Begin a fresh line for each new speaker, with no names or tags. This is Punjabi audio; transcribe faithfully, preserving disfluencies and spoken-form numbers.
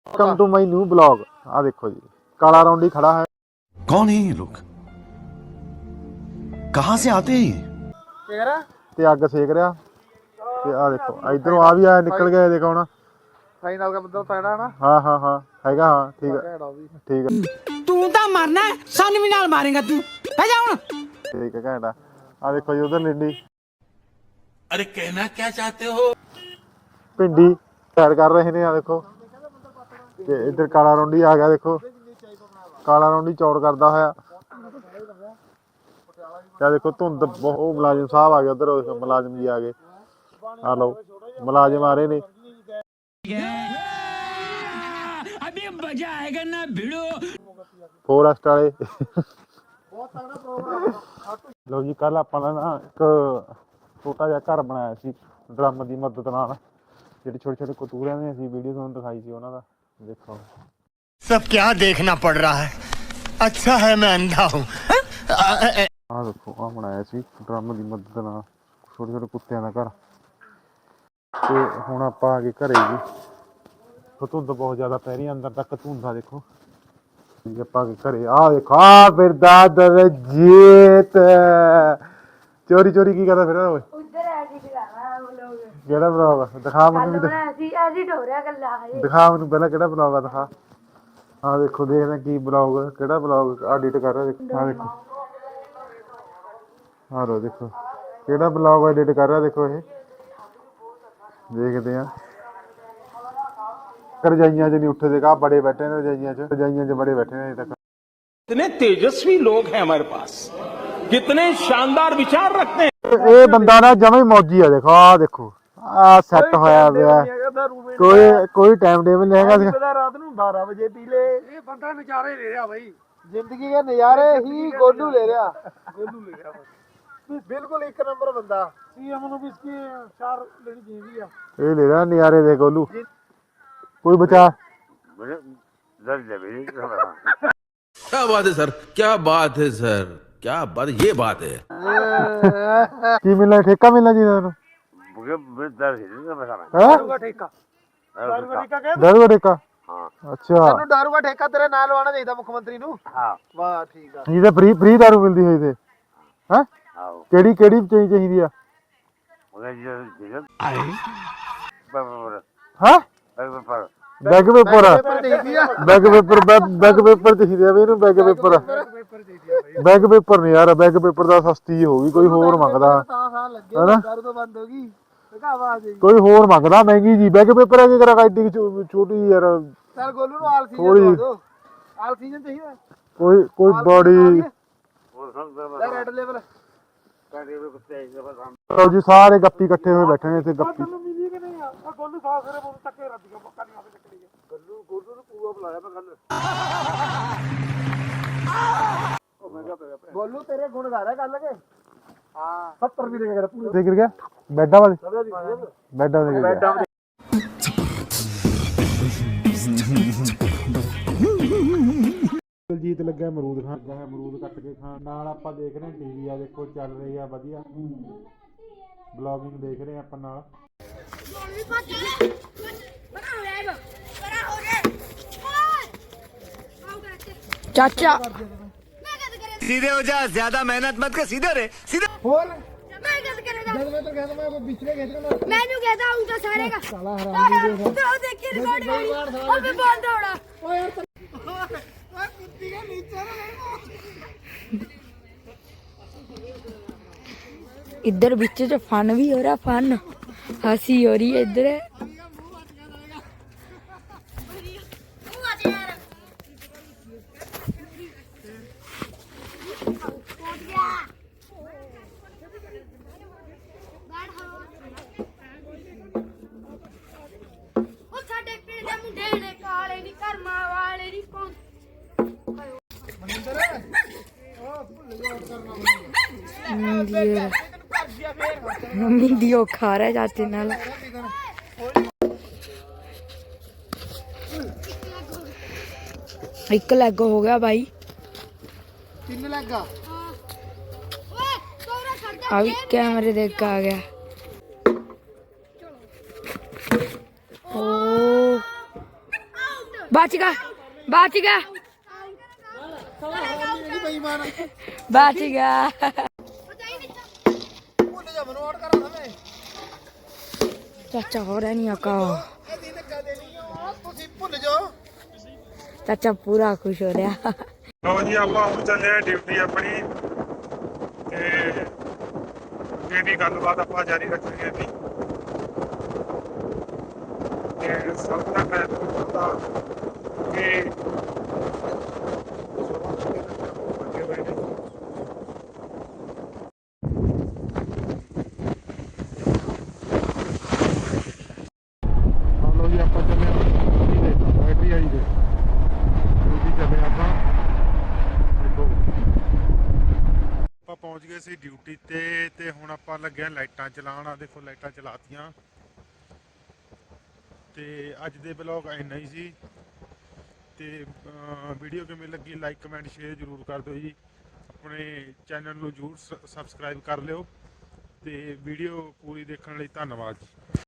Welcome to my new blog. आ देखो जी काला रौंडी खड़ा है।
कौन है ये लोग, कहां से आते हैं ये?
ਤੇ ਅੱਗ ਸੇਕ ਰਿਹਾ ਤੇ ਆ ਦੇਖੋ ਇਧਰੋਂ ਆ ਵੀ ਆ ਨਿਕਲ ਗਿਆ ਦੇਖੋ ਹੁਣ ਫਾਈਨਲ ਦਾ ਬੰਦਾ ਤਗੜਾ ਨਾ ਹਾਂ ਹਾਂ ਹਾਂ ਹੈਗਾ ਹਾਂ ਠੀਕ ਹੈ ਠੀਕ ਹੈ
ਤੂੰ ਤਾਂ ਮਰਨਾ ਸਾਨੂੰ ਵੀ ਨਾਲ ਮਾਰੇਗਾ ਤੂੰ ਬਹਿ ਜਾ ਹੁਣ
ਠੀਕ ਹੈ ਘੈਂਟਾ ਆ ਦੇਖੋ ਜੀ ਉਧਰ ਲਿੰਡੀ
अरे कहना क्या चाहते हो?
ਭਿੰਡੀ ਸੈਰ ਕਰ ਰਹੇ ਨੇ ਆ ਦੇਖੋ ਤੇ ਇੱਧਰ ਕਾਲਾ ਰੌਂਡੀ ਆ ਗਿਆ ਦੇਖੋ ਕਾਲਾ ਰੌਂਡੀ ਚੌੜ ਕਰਦਾ ਹੋਇਆ ਆ ਦੇਖੋ ਧੁੰਦ ਉਹ ਮੁਲਾਜ਼ਮ ਸਾਹਿਬ ਆ ਗਏ ਉਧਰ ਮੁਲਾਜ਼ਮ ਜੀ ਆ ਗਏ ਆ ਲਓ ਮੁਲਾਜ਼ਮ ਆ ਰਹੇ ਨੇ
ਅਬੇ ਮਜ਼ਾ ਆਏਗਾ ਨਾ ਭਿੜੋ
ਫੋਰੈਸਟ ਵਾਲੇ ਲਓ ਜੀ ਕੱਲ ਆਪਾਂ ਨੇ ਨਾ ਇੱਕ ਛੋਟਾ ਜਿਹਾ ਘਰ ਬਣਾਇਆ ਸੀ ਡਰਮ ਦੀ ਮਦਦ ਨਾਲ ਜਿਹੜੇ ਛੋਟੇ ਛੋਟੇ ਕਤੂਰਿਆਂ ਨੇ ਅਸੀਂ ਵੀਡੀਓ ਤੁਹਾਨੂੰ ਦਿਖਾਈ ਸੀ ਉਹਨਾਂ ਦਾ ਦੇਖੋ
सब क्या देखना पड़ रहा है अच्छा है मैं अंधा हूँ
ਆਹ ਦੇਖੋ ਆਹ ਬਣਾਇਆ ਸੀ ਡਰਮ ਦੀ ਮਦਦ ਨਾਲ ਛੋਟੇ ਛੋਟੇ ਕੁੱਤਿਆਂ ਦਾ ਘਰ ਤੇ ਹੁਣ ਆਪਾਂ ਆ ਗਏ ਘਰੇ ਜੀ ਧੁੰਦ ਬਹੁਤ ਜ਼ਿਆਦਾ ਪੈ ਰਹੀ ਅੰਦਰ ਤੱਕ ਧੁੰਦਾ ਦੇਖੋ ਜੀ ਆਪਾਂ ਆ ਗਏ ਘਰੇ ਆਹ ਦੇਖੋ ਆ ਫਿਰਦਾ ਦਰਜੀਤ ਚੋਰੀ ਚੋਰੀ ਕੀ ਕਰਦਾ ਫਿਰਦਾ ਓਏ
ਉਧਰ ਐਡਿਟ ਕਰਾਣਾ ਵਲੋਗ
ਕਿਹੜਾ ਬਲੌਗ ਦਿਖਾ ਮੈਨੂੰ ਵੀ
ਬਣਾਇਆ ਸੀ ਐਡਿਟ ਹੋ ਰਿਹਾ ਗੱਲਾਂ ਹਜੇ
ਦਿਖਾ ਮੈਨੂੰ ਪਹਿਲਾਂ ਕਿਹੜਾ ਬਲੌਗ ਆ ਦਿਖਾ ਆ ਦੇਖੋ ਦੇਖਦੇ ਕੀ ਬਲੌਗ ਕਿਹੜਾ ਬਲੌਗ ਐਡਿਟ ਕਰ ਰਿਹਾ ਦੇਖੋ ਆ ਦੇਖੋ ਆ ਲੋ ਦੇਖੋ ਕਿਹੜਾ ਬਲੌਗ ਐਡਿਟ ਕਰ ਰਿਹਾ ਦੇਖੋ ਇਹ ਦੇਖਦੇ ਆ ਰਜਾਈਆਂ 'ਚ ਨਹੀਂ ਉੱਠਦੇ ਕਾ ਬੜੇ ਬੈਠੇ ਨੇ ਰਜਾਈਆਂ 'ਚ ਰਜਾਈਆਂ 'ਚ ਬੜੇ ਬੈਠੇ ਨੇ ਅਜੇ ਤੱਕ
कितने तेजस्वी लोग हैं हमारे पास, कितने शानदार विचार रखते हैं।
ਇਹ ਬੰਦਾ ਨਾ ਜਮਾ ਹੀ ਮੌਜੀ ਆ ਦੇਖੋ ਆ ਦੇਖੋ ਆ ਸੈੱਟ ਹੋਇਆ ਪਿਆ ਕੋਈ ਕੋਈ ਟਾਈਮ ਟੇਬਲ ਨਹੀਂ ਹੈਗਾ ਸੀ
ਰਾਤ ਨੂੰ ਬਾਰਾਂ ਵਜੇ ਪੀ ਲੇ ਇਹ ਬੰਦਾ ਨਜ਼ਾਰੇ ਲੈ ਰਿਹਾ ਬਾਈ ਜ਼ਿੰਦਗੀ ਦੇ ਨਜ਼ਾਰੇ ਹੀ ਗੋਲੂ ਲੈ ਰਿਹਾ ਗੋਲੂ ਲੈ ਰਿਹਾ ਬਿਲਕੁਲ ਇੱਕ ਨੰਬਰ ਬੰਦਾ ਸੀਐਮ ਨੂੰ ਵੀ ਇਸकी ਚਾਰ ਲੈਣੀ ਚਾਹੀਦੀ ਆ
ਇਹ ਲੈ ਰਿਹਾ ਨਜ਼ਾਰੇ ਦੇ ਗੋਲੂ ਕੋਈ ਬਚਾ
क्या बात है सर, क्या बात है सर, क्या बात, ये बात है।
ਕੀ ਮਿਲਣਾ ਠੇਕਾ ਮਿਲਣਾ ਜੀ ਤੁਹਾਨੂੰ
ਦਾਰੂ ਦਾ ਠੇਕਾ ਦਾਰੂ ਦਾ ਠੇਕਾ ਕਹਿੰਦੇ
ਦਾਰੂ ਦਾ ਠੇਕਾ ਅੱਛਾ
ਤੈਨੂੰ ਦਾਰੂ ਦਾ ਠੇਕਾ ਤੇਰੇ ਨਾਲ ਲਵਾਉਣਾ ਚਾਹੀਦਾ ਮੁੱਖ ਮੰਤਰੀ ਨੂੰ ਹਾਂ ਵਾਹ ਠੀਕ ਆ
ਜਿਹਦੇ ਫ੍ਰੀ ਫ੍ਰੀ ਦਾਰੂ ਮਿਲਦੀ ਹੋਈ ਤੇ ਹੈ ਕਿਹੜੀ ਕਿਹੜੀ ਚਾਹੀ ਚਾਹੀਦੀ ਆ ਹਾਂ bag paper bag paper bag paper ਚਾਹੀਦੇ ਆ ਵੀ ਇਹਨੂੰ ਬੈਗ ਪੇਪਰ ਬੈਗ ਪੇਪਰ ਨਹੀਂ ਯਾਰ ਬੈਗ ਪੇਪਰ ਦਾ ਸਸਤੀ ਹੋ ਗਈ ਕੋਈ ਹੋਰ ਮੰਗਦਾ
ਹੈਨਾ ਦਾਰੂ ਤੋਂ ਬੰਦ ਹੋ ਗਈ ਦਿਖਾਵਾ ਆ ਜੀ
ਕੋਈ ਹੋਰ ਮੰਗਦਾ ਮਹਿੰਗੀ ਜੀ ਬੈਗ ਪੇਪਰ ਹੈ ਕਿ ਕਰਾ ਐਡੀ ਛੋਟੀ ਯਾਰ
ਚੱਲ ਗੋਲੂ ਨੂੰ ਆਲ ਸੀਜ਼ਨ ਦੋ ਆਲ ਸੀਜ਼ਨ ਚਾਹੀਦਾ
ਕੋਈ ਕੋਈ ਬੜੀ
ਰੈਡ ਲੈਵਲ
ਲਓ ਜੀ ਸਾਰੇ ਗੱਪੀ ਇਕੱਠੇ ਹੋਏ ਬੈਠੇ ਨੇ ਇੱਥੇ ਗੱਪੀ
ਮਿਲੀ ਕਿ ਨਹੀਂ ਆ ਗੋਲੂ ਸਾਹ ਸਿਰੇ ਬੋਲ ਤੱਕੇ ਰੱਦੀਆਂ ਪੱਕਾ ਨਹੀਂ ਆਵੇ ਚੱਕੜੀ ਗੋਲੂ ਗੋਲੂ ਨੂੰ ਪੂਰਾ ਬੁਲਾਇਆ ਮੈਂ ਗੱਲ ਉਹ ਮੈਂ ਕਿਹਾ ਗੋਲੂ ਤੇਰੇ ਗੁਣ ਗਾ ਰਿਹਾ ਗੱਲ ਕੇ ਹਾਂ ਸੱਤਰ ਵੀ ਦੇ ਗਿਆ ਪੂਰੇ
ਤੇ ਗਿਰ ਗਿਆ ਬੈਡਾਂ ਵਾਲੇ ਬੈਡਾਂ ਦੇ ਗਿਰ ਗਿਆ ਦਲਜੀਤ ਲੱਗਿਆ ਅਮਰੂਦ ਖਾਣ ਲੱਗਾ ਹੈ ਅਮਰੂਦ ਕੱਟ ਕੇ ਖਾਣ ਨਾਲ ਆਪਾਂ ਦੇਖ ਰਹੇ ਟੀਵੀ ਆ ਦੇਖੋ ਚੱਲ ਰਹੀ ਆ ਵਧੀਆ ਬਲੌਗਿੰਗ ਦੇਖ ਰਹੇ ਆਪਾਂ ਨਾਲ
ਚਾਚਾ
सीधे हो जा ज्यादा मेहनत मत कर सीधे रे सीधे
ਹੋਰ
ਮੈਂ ਗੱਲ ਕਰੇਗਾ
ਜਦ ਮੈਂ ਤਾਂ ਕਹਿੰਦਾ ਮੈਂ ਪਿਛਲੇ ਖੇਤ ਦਾ
ਮੈਨੂੰ ਕਹਦਾ ਹੂੰ ਤਾਂ ਸਾਰੇ का साला हराम तो देखी रिकॉर्ड करी अबे बंद होना
ਓ ਯਾਰ ਓਏ ਕੁੱਤੀ ਦੇ ਨੀਚੇ
इधर बीच च फन भी हो रहा फन हंसी हो रही है इधर मम्मी दियो खा रहा है चाचे नाल एक लैग हो गया भाई
ਤਿੰਨ ਲੱਗਾ
अभी कैमरे देख के आ गया ओ ਬਚ ਗਿਆ ਬਚ ਗਿਆ ਬਚ ਗਿਆ ਚਾਚਾ ਹੋ ਰਿਹਾ ਨਹੀਂ ਆਕਾ ਚਾਚਾ ਪੂਰਾ ਖੁਸ਼ ਹੋ ਰਿਹਾ
ਲਓ ਜੀ ਆਪਾਂ ਹੁਣ ਚੱਲੇ ਆ ਡਿਊਟੀ ਆਪਣੀ ਤੇ ਅੱਗੇ ਦੀ ਗੱਲਬਾਤ ਆਪਾਂ ਜਾਰੀ ਰੱਖਾਂਗੇ ਜੀ ਤੇ ਸਭ ਤੋਂ ਪਹਿਲਾਂ ਤਾਂ ਕਿ ਅੱਗੇ ਬੈਠੇ ਲਓ ਜੀ ਆਪਾਂ ਚੱਲੇ ਆ ਬੈਟਰੀ ਆਈ ਦੇ ਡਿਊਟੀ ਚੱਲੇ ਆਪਾਂ ਆਪਾਂ ਪਹੁੰਚ ਗਏ ਸੀ ਡਿਊਟੀ ਤੇ ਤੇ ਹੁਣ ਆਪਾਂ ਲੱਗੇ ਆ ਲਾਈਟਾਂ ਚਲਾਉਣ ਆ ਦੇਖੋ ਲਾਈਟਾਂ ਚਲਾਤੀਆਂ ਤੇ ਅੱਜ ਦੇ ਵਲੌਗ ਇੰਨਾ ਹੀ ਸੀ ਤੇ ਵੀਡੀਓ ਕਿਵੇਂ ਲੱਗੀ ਲਾਈਕ ਕਮੈਂਟ ਸ਼ੇਅਰ ਜ਼ਰੂਰ ਕਰ ਦਿਓ ਜੀ ਆਪਣੇ ਚੈਨਲ ਨੂੰ ਜ਼ਰੂਰ ਸਬਸਕ੍ਰਾਈਬ ਕਰ ਲਿਓ ਤੇ ਵੀਡੀਓ ਪੂਰੀ ਦੇਖਣ ਲਈ ਧੰਨਵਾਦ ਜੀ।